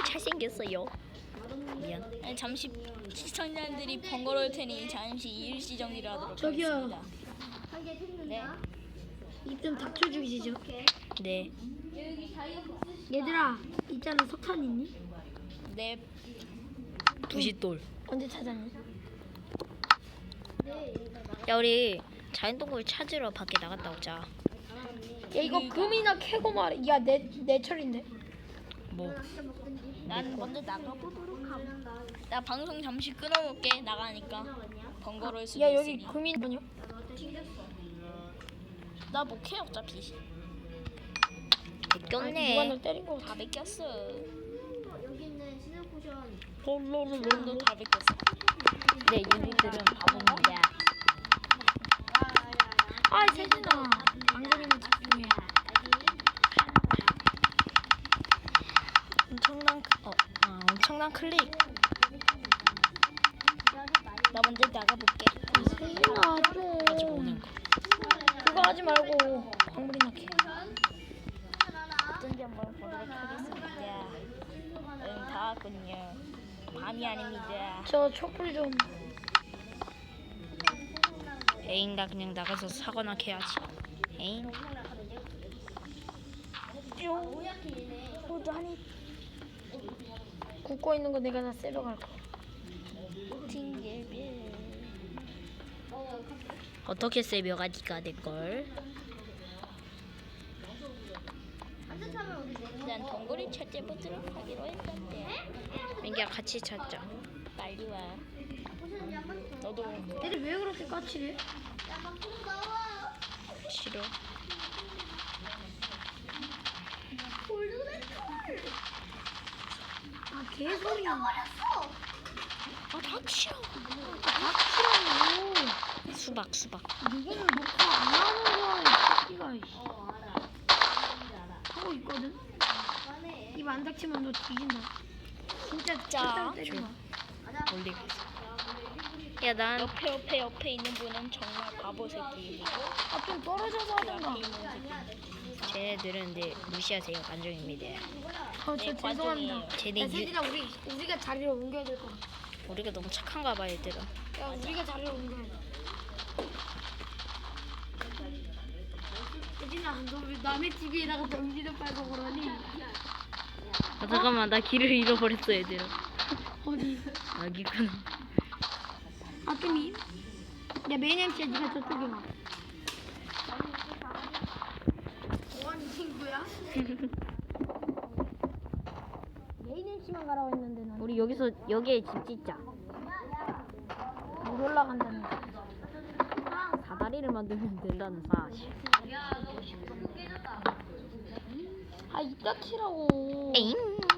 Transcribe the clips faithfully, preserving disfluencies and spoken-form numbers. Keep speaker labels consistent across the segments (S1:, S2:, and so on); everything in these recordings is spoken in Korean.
S1: 잘생겼어요. 미안.
S2: 아니, 잠시 시청자들이 번거로울 테니 잠시 일시 정리를 하도록
S3: 저기요.
S2: 하겠습니다. 네.
S3: 입 좀 닥쳐주시죠.
S1: 네.
S3: 얘들아, 있잖아, 석탄 있니?
S2: 네.
S1: 부싯돌.
S3: 언제 찾았니?
S1: 야 우리 자연동굴 찾으러 밖에 나갔다 오자.
S3: 야, 이거 금이나 캐고 말해. 야, 내, 내 철인데.
S1: 뭐?
S2: 난 먼저 나가보도록 함. 나 방송 잠시 끊어놓을게. 나가니까 번거로울 수도
S3: 야, 여기
S2: 있으니.
S3: 금이 뭐냐?
S2: 나 못해 어차피.
S3: 누가
S1: 뺏겼네.
S3: 널 때린 거
S2: 다
S3: 같아.
S2: 뺏겼어.
S4: 여기 있는 신흥 포션
S2: 도 다 뺏겼어.
S1: 네, 유니들은 바보입니다.
S3: 아, 세진아. 안그림을 집중해.
S1: 엄청난 크- 어, 아, 엄청난 클릭.
S2: 나 먼저 나가볼게.
S3: 세진아, 좀.
S1: 가지고 오는 거.
S3: 그거 하지 말고 광물이나 캐.
S2: 어쩐지 한번 보도록 하겠습니다. 응, 다 왔군요. 밤이 아닙니다.
S3: 저 촛불 좀.
S1: 에인가 그냥 나가서 사거나 캐야지. 에인.
S2: 호자니
S3: 굽고 있는 거 내가 다 쎄려갈 거.
S2: 팅겔벨.
S1: 어떻게 세 몇 가지가 될 걸?
S2: 난 동굴을 찾아보도록 하기로 했는데.
S1: 민기야 같이 찾자.
S2: 빨리 와. 너도
S3: 얘들 왜 그렇게 까칠해?
S1: 싫어.
S3: 아, 개소리야.
S1: 아 닥쳐.
S3: 닥치라고.
S1: 수박 수박.
S3: 누구는 녹화 안 하는 거야, 이 새끼가. 이씨. 하고 있거든? 입 안 닥치면 너 뒤진다. 진짜
S2: 자,
S3: 진짜 때린 거야.
S1: 올리고. 야 난
S2: 옆에 옆에 옆에 있는 분은 정말 바보 새끼이고
S3: 아, 좀 떨어져서 하던가.
S2: 앞에 있는 새끼.
S1: 쟤네들은 네 무시하세요 관종입니다.
S3: 어,
S2: 네,
S3: 저 죄송합니다.
S2: 관종이에요.
S1: 쟤네
S3: 야,
S1: 유,
S3: 세진아, 우리, 우리가 자리를 옮겨야 될 거야.
S1: 우리가 너무 착한가 봐 얘들아.
S3: 야, 우리가 자리를 옮겨야 돼. 세진아, 너 왜 남의 집에다가 전기를 빨고 그러니?
S1: 아, 잠깐만 나 길을 잃어버렸어 얘들아.
S3: 어디?
S1: 여기구나.
S3: 아, 좀 이... 야, 메인 엠씨야, 니가 저쪽에 와. 뭐하는 친구야? 메인 엠씨만 가라고 했는데 난.
S1: 우리 여기서 여기에 집 짓자.
S3: 못 올라간다는 거.
S1: 사다리를 만들면 된다는 사실.
S3: 아, 이따 치라고.
S1: 에잉.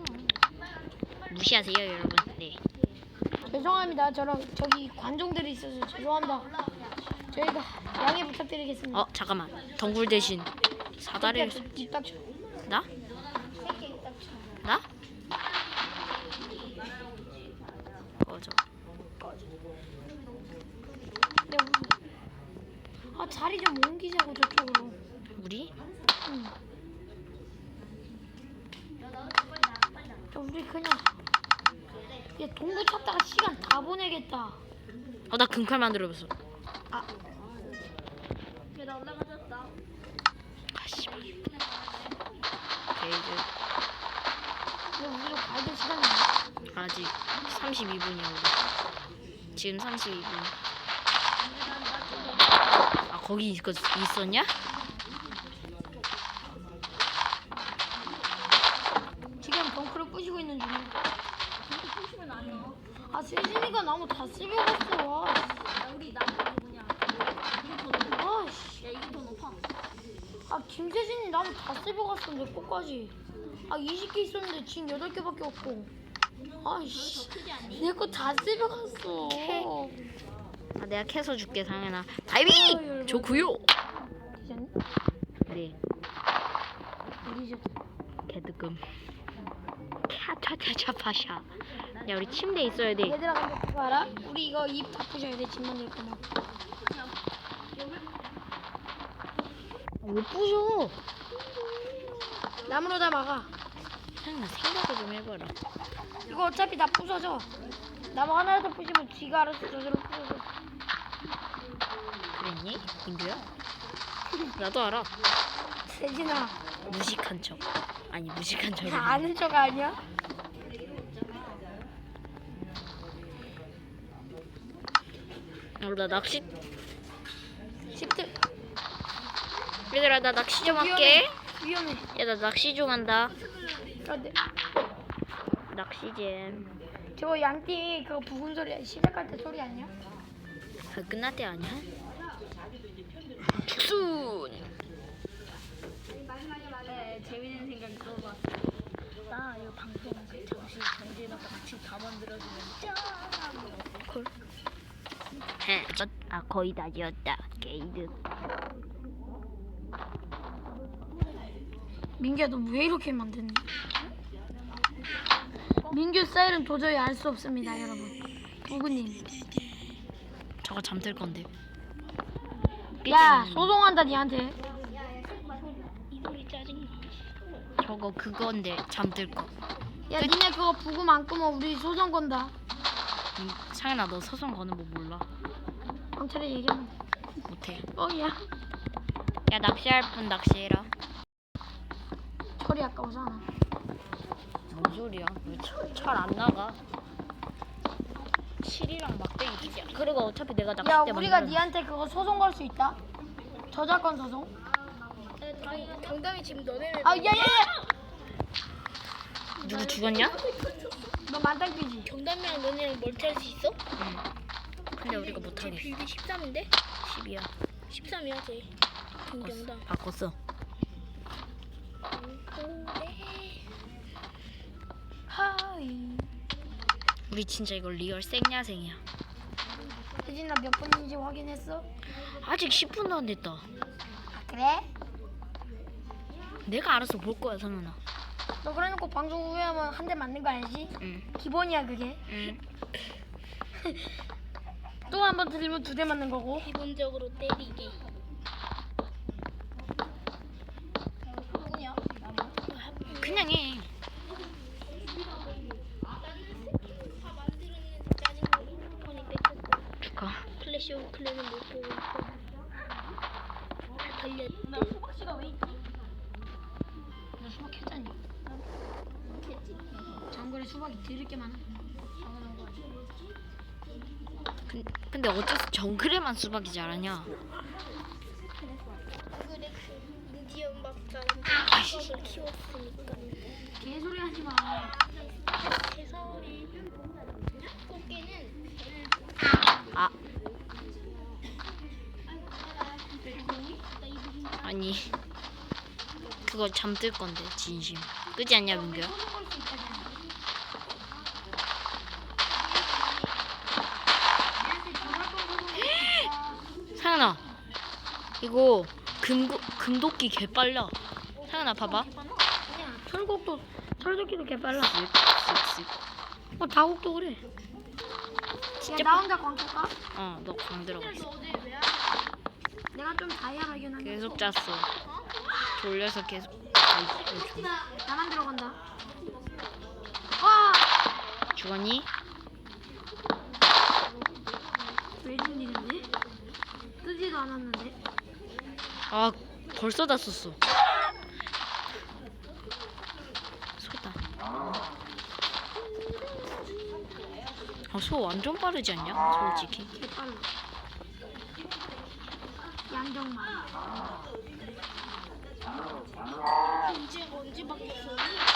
S1: 무시하세요 여러분. 네.
S3: 죄송합니다. 저랑 저기 관종들이 있어서 죄송합니다. 저희가 양해 부탁드리겠습니다.
S1: 어 잠깐만. 덩굴 대신 사다리를
S3: 새끼야, 입 닥쳐.
S1: 나?
S3: 새끼 입 닥쳐.
S1: 나? 꺼져.
S3: 야, 우리- 아, 자리 좀 옮기자고 저쪽으로.
S1: 우리?
S3: 응. 야, 우리 그냥 야, 동굴 찾다가 시간 다 보내겠다.
S1: 어 나 금칼 만들어봤어.
S3: 아,
S2: 나 올라가졌다.
S1: 가시마. 게이드.
S3: 야, 우리가 가야 될 시간이 있나?
S1: 아직 삼십이 분이야 우리. 지금 삼십이 분. 아 거기 있, 있었냐?
S3: 지금 덩크를 부시고 있는 중이야. 아, 세진이가 나무 다 씹어갔어. 아,
S2: 야, 우리 나무 뭐냐? 이게 더 높아.
S3: 아, 씨.
S2: 야, 이게 더 높아.
S3: 아, 김세진이 나무 다 씹어갔어. 내 거까지. 아, 스무 개 있었는데 지금 여덟 개밖에 없고. 아이씨.
S2: 크지 않니?
S3: 내 거 다 씹어갔어.
S1: 아 내가 캐서 줄게 당연아. 다이빙! 좋구요.
S3: 되셨니?
S1: 네.
S3: 우리 저
S1: 개득금. 캬차차차 파샤. 야 우리 침대 있어야 돼.
S3: 얘들아, 근데 그거 알아? 우리 이거 입 다 부셔야 돼. 집 만들 거면.
S1: 왜 부셔?
S3: 나무로 다 막아.
S1: 그냥 생각을 좀 해봐. 해봐라.
S3: 이거 어차피 다 부서져. 나무 하나라도 부시면 지가 알아서 저절로 부서져.
S1: 그랬니? 민규야? 나도 알아.
S3: 세진아,
S1: 무식한 척. 아니 무식한 척이
S3: 다 아는 척 아니야?
S1: 어, 나 낚시.
S3: 십들
S1: 얘들아 나 낚시 좀 할게.
S3: 위험해.
S1: 야 나 낚시 좀 한다.
S3: 아, 네.
S1: 낚시 잼.
S3: 저거 양띠 그거 부근 소리 시작할 때 소리 아니야?
S1: 아, 끝날 때 아니야? 죽순.
S2: 네, 재밌는 생각이 떠올랐어. 나 이거 방송 잠시 정지해놨다 같이 다 만들어주면 짠!
S1: 콜. 헤. 아 거의 다 지었다. 게이드.
S3: 민규야 너 왜 이렇게 만드니? 민규 스타일은 도저히 알 수 없습니다 여러분. 부근님.
S1: 저거 잠들 건데.
S3: 야 소송한다 니한테.
S2: 이 소리 짜증나.
S1: 저거 그건데 잠들 거.
S3: 야 니네 그거 부금 안 끄면 우리 소송 건다.
S1: 음, 상현아 너 소송 거는 뭐 몰라?
S3: 경찰에 얘기하면 돼.
S1: 못해.
S3: 어야
S1: 야 낚시할 분 낚시해라.
S3: 철이 아까워서 안 와.
S1: 뭔 소리야? 잘 안 나가. 칠이랑 막대기 기자. 그리고 어차피 내가 낚시
S3: 야
S1: 때
S3: 우리가
S1: 만들었-
S3: 니한테 그거 소송 걸 수 있다. 저작권 소송.
S2: 정답이 지금 너네는
S3: 아 야야야.
S1: 누구 죽었냐?
S3: 너 만땅삐지.
S2: 정답이랑 너네랑 멀티할 수 있어?
S1: 응. 근데 우리가 못하겠어.
S2: 빌드 십삼인데?
S1: 십이야.
S2: 십삼이야 쟤. 김정답.
S1: 바꿨어.
S3: 하이.
S1: 우리 진짜 이거 리얼 생야생이야.
S3: 혜진아 몇 분인지 확인했어?
S1: 아직 십 분도 안 됐다.
S3: 아 그래?
S1: 내가 알아서 볼 거야 성현아.
S3: 너 그래놓고 방송 후에 하면 한 대 맞는 거 알지?
S1: 응.
S3: 기본이야 그게.
S1: 응.
S3: 또 한 번 들리면 두 대 맞는 거고.
S2: 기본적으로 때리기.
S1: 그냥 해. 축하.
S2: 플래시 오브 클랜은 못 보고 있어. 달렸대.
S3: 너 수박 했잖니. 정글에 수박이 드럽게 많아.
S1: 근, 근데 어째서 정글에만 수박이 자라냐?
S2: 그래 인디언 박사는 수박을 키웠으니까.
S3: 개소리 하지 마.
S2: 개소리. 꽃게는
S1: 아. 아니. 그거 잠들 건데 진심. 그지 않냐 민규야? 상현아. 이거 금고 금도끼 개 빨라. 상현아 봐봐.
S3: 아니야 철곡도 철도끼도 개빨라.
S1: 쓱쓱쓱.
S3: 어 다곡도 그래.
S1: 진짜
S3: 야, 나 혼자 광고까?
S1: 어, 너 광 들어갔어.
S3: 내가 좀 다이아하긴 한데.
S1: 계속 짰어. 돌려서 계속. 아이, 아이,
S3: 나만 들어간다. 와!
S1: 죽었니?
S3: 왜준 일인데? 뜨지도 않았는데.
S1: 아, 벌써 다 썼어. 소다. 아, 소 완전 빠르지 않냐? 솔직히.
S3: 개빨라. 양정만.
S2: 이제 언제 바뀌었어?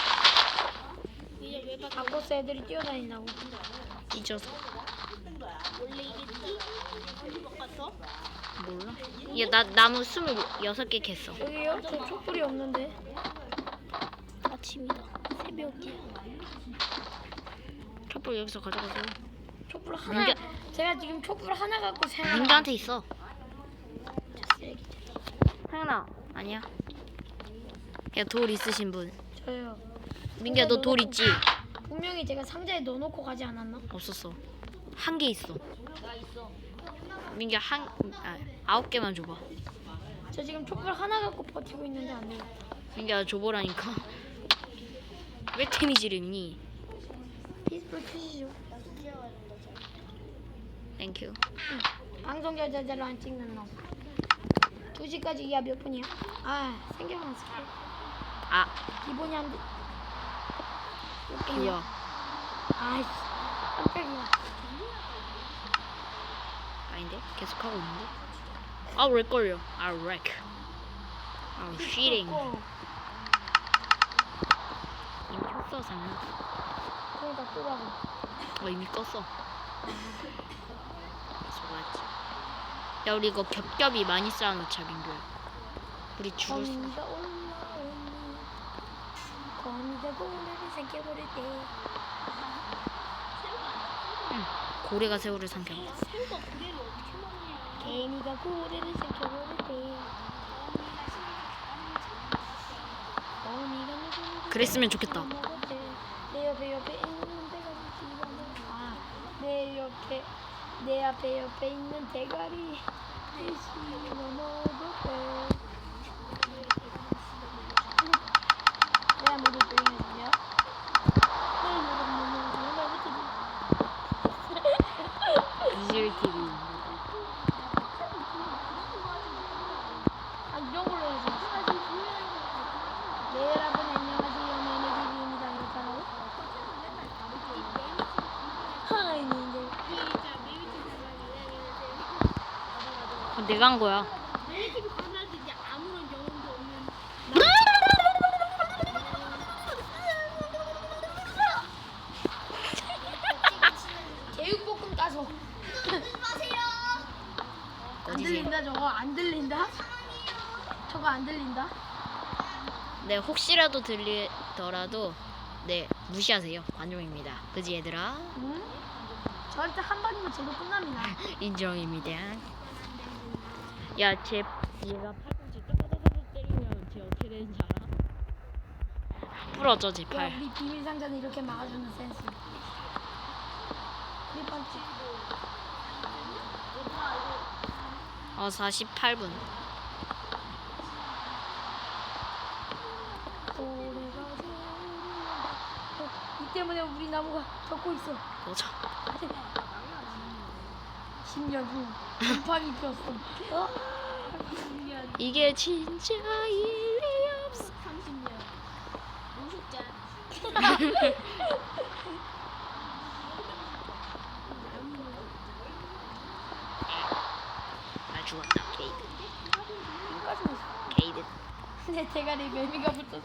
S2: 이제 왜 바뀌었어?
S3: 바코스 애들이 뛰어다닌다고.
S1: 찢어서.
S2: 원래 이겠지? 왜 바꿨어?
S1: 몰라. 야, 나 나무 스물여섯 개 캤어.
S3: 여기요? 저 촛불이 없는데.
S2: 아침이다. 새벽이야.
S1: 촛불 여기서 가져가서.
S3: 촛불 하나.
S1: 민규-
S3: 제가 지금 촛불 하나 갖고 생각.
S1: 민규한테 있어. 상현아, 아니야. 야, 돌 있으신 분.
S3: 저요.
S1: 민규야, 너 돌 있지?
S3: 분명히 제가 상자에 넣어놓고 가지 않았나?
S1: 없었어. 한 개 있어. 민규 한 아, 아홉 개만 줘봐.
S3: 저 지금 촛불 하나 갖고 버티고 있는데 안 돼요.
S1: 민규야 줘보라니까. 왜 데미지를 입니?
S3: 피스풀 큐시죠.
S1: 땡큐.
S3: 방송 저자로 안 찍는 놈. 두 시까지 이하 몇 분이야? 아 생겨만 쓸게.
S1: 아,
S3: 기본이 안 돼.
S1: 뭐야?
S3: 아이씨 깜짝이야.
S1: 아닌데? 계속 하고 있는데? 아, 왜 걸려? 아, 렉. 아, 쉬링.
S3: 어,
S1: 이미 켰어, 상은.
S3: 그러니까 끄라고.
S1: 어, 이미 껐어. 좋았지. 야, 우리 이거 겹겹이 많이 쌓아놓자, 민규야. 우리 죽을 수.
S3: 거미가 올라오니 거미가 고래를 삼켜버릴 때.
S1: 응. 고래가 새우를 삼켜.
S2: 새우가 고래를 어떻게 먹냐?
S3: 개미가 고래를 삼켜버릴 때. 거미가 누구를
S1: 그랬으면 좋겠다.
S3: 먹었대. 내 옆에 옆에 있는 대가리 집어넣어. 아, 내 옆에 내 앞에 옆에 있는 대가리 씹어 먹었대. 내가 모두 조용히 해주냐?
S1: 비질 티비.
S3: 아 이런 걸로 해야지. 네 여러분 안녕하세요. 매니지입니다. 이렇게 하라고? 하이 이제
S1: 어, 내가 한 거야.
S3: 제육볶음 따서 안
S1: 어디지?
S3: 들린다 저거 안 들린다? 저거 안 들린다?
S1: 네, 혹시라도 들리더라도 네, 무시하세요. 관종입니다. 그지 얘들아?
S3: 응? 저한테 한 번이면 제도 끝납니다.
S1: 인정입니다. 야, 쟤 얘가 팔꿈치 따다다다 때리면 쟤 어떻게 되는지 알아? 부러져, 쟤
S3: 야,
S1: 팔.
S3: 우리 비밀 상자는 이렇게 막아주는 센스. 일 번째.
S1: 어, 사십팔 분.
S3: 이 때문에 우리 나무가 덮고 있어.
S1: 도저.
S3: 십 년 후 곰팡이 폈어. 어?
S1: 이게 진짜 일리 없어.
S2: 삼십 년. 노숙자.
S1: 나 죽었다, 케이드.
S3: 여기까지 있어.
S1: 케이드.
S3: 내 대가리 매미가 붙었어.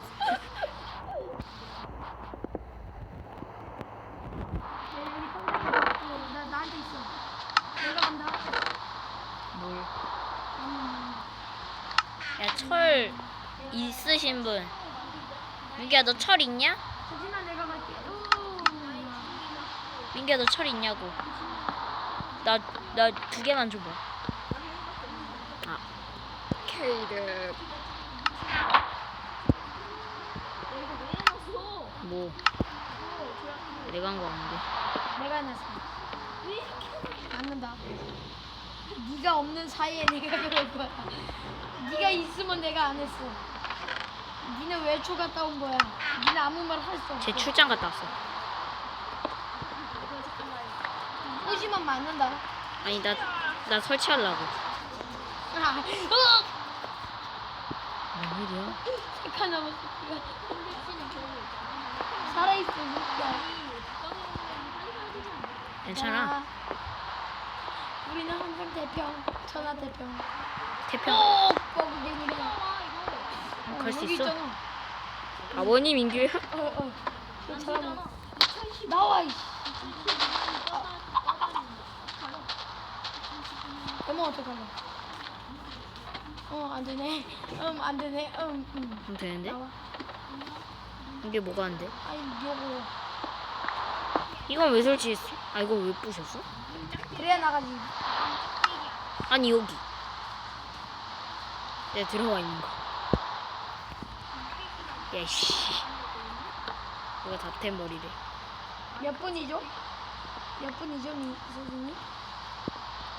S3: 나 나한테 있어. 내가 간다.
S1: 뭘?
S3: 음.
S1: 야, 철 있으신 분. 민규야, 너 철 있냐?
S3: 수진아 내가 갈게.
S1: 민규야, 너 철 있냐고. 나, 나 두 개만 줘봐. 아. 케이드. 뭐? 내가 한 거 아닌데.
S3: 내가 해놨어. 맞는다. 네가 없는 사이에 내가 그럴 거야. 네가 있으면 내가 안 했어. 니는 외출 갔다 온 거야. 니는 아무 말 할 수 없어.
S1: 쟤 출장 갔다 왔어.
S3: 꼬시면 맞는다.
S1: 아니, 나, 나 설치하려고.
S3: 아, 어!
S1: 뭔 일이야?
S3: 착한 나무 새끼가 살아있어. 새끼야.
S1: 괜찮아.
S3: 야, 우리는 항상 대평, 천하 대평.
S1: 태평.
S3: 꼭 거북이니까.
S1: 어, 갈 수
S3: 여기
S1: 있어?
S3: 있잖아.
S1: 아버님 민규야?
S3: 어, 어. 괜찮아. 나와, 이씨. 엄마 어떡할래? 어, 안 되네. 음, 안 되네. 음, 음.
S1: 그럼 되는데?
S3: 나와.
S1: 이게 뭐가 안 돼?
S3: 아니, 요거.
S1: 이건 왜 설치했어? 아, 이거 왜 부셨어?
S3: 그래야 나가지.
S1: 아니, 여기. 내가 들어와 있는 거. 야, 씨. 이거 다템 머리래.
S3: 몇 분이죠? 몇 분이죠, 미, 선생님?